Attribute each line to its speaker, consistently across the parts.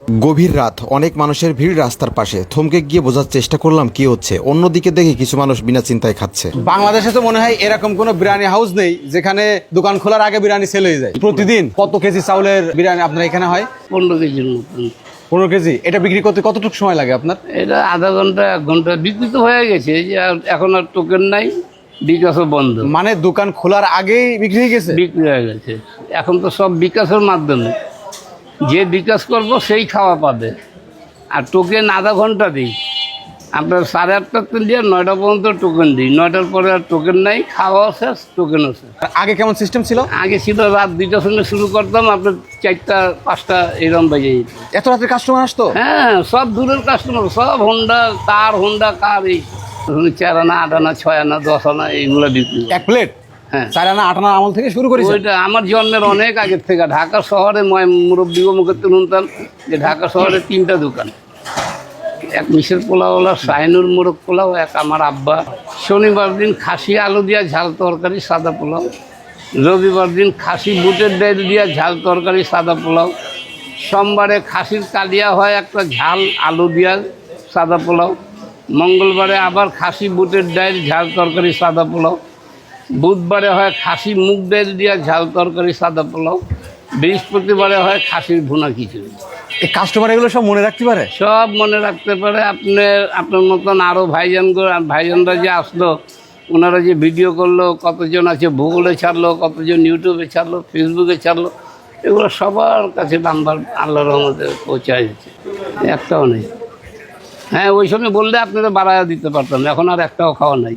Speaker 1: গভীর রাত, অনেক মানুষের ভিড় রাস্তার পাশে। থমকে গিয়ে বোঝার চেষ্টা করলাম কি হচ্ছে। অন্যদিকে দেখি কিছু মানুষ বিনা চিন্তায় খাচ্ছে।
Speaker 2: বাংলাদেশে তো মনে হয় এরকম কোনো বিরিয়ানি হাউস নেই যেখানে দোকান খোলার আগে বিরিয়ানি সেল হয়ে যায়। প্রতিদিন কত কেজি চাউলের বিরিয়ানি আপনার এখানে হয়?
Speaker 3: 15 কেজির মতন।
Speaker 2: 15 কেজি। এটা বিক্রি করতে কতটুকু সময় লাগে আপনার?
Speaker 3: এটা আধা ঘন্টা 1 ঘন্টা বিক্রি তো হয়ে গেছে, এই যে এখন আর টোকেন নাই, বিকাশও বন্ধ।
Speaker 2: মানে দোকান খোলার আগেই বিক্রি হয়ে গেছে?
Speaker 3: বিক্রি হয়ে গেছে। এখন তো সব বিকাশের মাধ্যমে, যে বিকাশ করব সেই খাওয়া পাবে। আর টোকেন আধা ঘন্টা দিই, আপনার 8:30 থেকে দিয়ে 9টা পর্যন্ত টোকেন দিই। 9টার পরে আর টোকেন নাই, খাওয়াও শেষ, টোকেনও শেষ।
Speaker 2: আর আগে কেমন সিস্টেম ছিল?
Speaker 3: আগে ছিল রাত 2টার সঙ্গে শুরু করতাম, আপনার 4টা 5টা এরকম বাজে যেত।
Speaker 2: এত রাতে কাস্টমার আসতো?
Speaker 3: হ্যাঁ, সব দূরের কাস্টমার, সব হোন্ডা কার এই 4 আনা 8 আনা 6 আনা 10 আনা এইগুলো বিক্রি।
Speaker 2: এক প্লেট?
Speaker 3: হ্যাঁ,
Speaker 2: 4 আনা 8 আনা আমল থেকে শুরু করেছে?
Speaker 3: ওইটা আমার জন্মের অনেক আগের থেকে। ঢাকা শহরে মুরব্বী মুখে শুনতাম যে ঢাকা শহরে 3টা দোকান, এক মিশের পোলাওয়ালা, শাহিনুর মোরগ পোলাও, এক আমার আব্বা। শনিবার দিন খাসি আলু দিয়া ঝাল তরকারি সাদা পোলাও, রবিবার দিন খাসি বুটের ডাল দিয়া ঝাল তরকারি সাদা পোলাও, সোমবারে খাসির কালিয়া হয় একটা ঝাল আলু দিয়া সাদা পোলাও, মঙ্গলবারে আবার খাসি বুটের ডাল ঝাল তরকারি সাদা পোলাও, বুধবারে হয় খাসি মুগ ডাল দিয়া ঝাল তরকারি সাদা পোলাও, বৃহস্পতিবারে হয় খাসির ভুনা খিচুড়ি।
Speaker 2: এই কাস্টমার এগুলো সব মনে রাখতে পারে?
Speaker 3: সব মনে রাখতে পারে। আপনার মতন আরও ভাইজানরা যে আসলো, ওনারা যে ভিডিও করলো, কতজন আছে ভূগোলে ছাড়লো, কতজন ইউটিউবে ছাড়লো, ফেসবুকে ছাড়লো, এগুলো সবার কাছে নাম্বার আল্লাহর রহমতে পৌঁছায় যাচ্ছে, একটাও নেই। হ্যাঁ, ওই সময় বললে আপনারা বাড়ায় দিতে পারতাম, এখন আর একটাও খাওয়া নাই।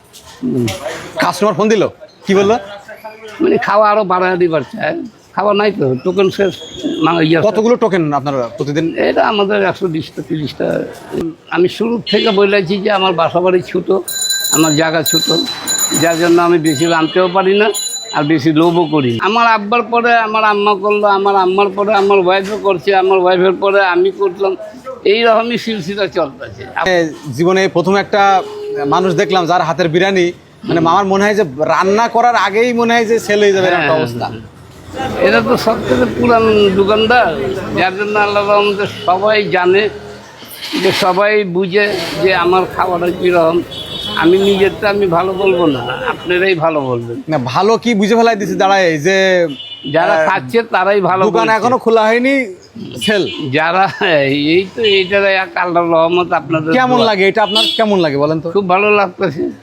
Speaker 2: কাস্টমার ফোন দিল, কি বললো?
Speaker 3: মানে খাওয়া আরও বাড়ায় দিবার চায়, খাওয়া নাই তো, টোকেন শেষ।
Speaker 2: কতগুলো টোকেন আপনারা প্রতিদিন?
Speaker 3: এটা আমাদের 120টা 30টা। আমি শুরু থেকে বলেছি যে আমার বাসা বাড়ি ছোটো, আমার জায়গা ছোটো, যার জন্য আমি বেশি আনতেও পারি না আর বেশি লোভও করি। আমার আব্বার পরে আমার আম্মা করলো, আমার আম্মার পরে আমার ওয়াইফও করছে, আমার ওয়াইফের পরে আমি করলাম, এইরকমই সিলসিলা চলতেছে।
Speaker 2: জীবনে প্রথম একটা মানুষ দেখলাম যার হাতের বিরিয়ানি, মানে আমার মনে হয় যে রান্না করার আগেই মনে হয় যে সেল হয়ে যাবে একটা অবস্থা।
Speaker 3: এটা তো সব থেকে পুরান দোকানদার, যার জন্য আল্লাহ রহমতে সবাই জানে, যে সবাই বুঝে যে আমার খাবারটা কীরকম। আমি নিজেরটা আমি ভালো বলবো না, আপনারাই ভালো বলবেন।
Speaker 2: না, ভালো কি বুঝে ফেলাই দিছে দাঁড়ায় যে
Speaker 3: যারা খাচ্ছে তারাই ভালো।
Speaker 2: দোকান এখনো খোলা হয়নি, সেল।
Speaker 3: যারা এই তো এইটার এক আল্লাহর রহমত। আপনাদের
Speaker 2: কেমন লাগে এটা? আপনার কেমন লাগে বলেন তো?
Speaker 3: খুব ভালো লাগতেছে।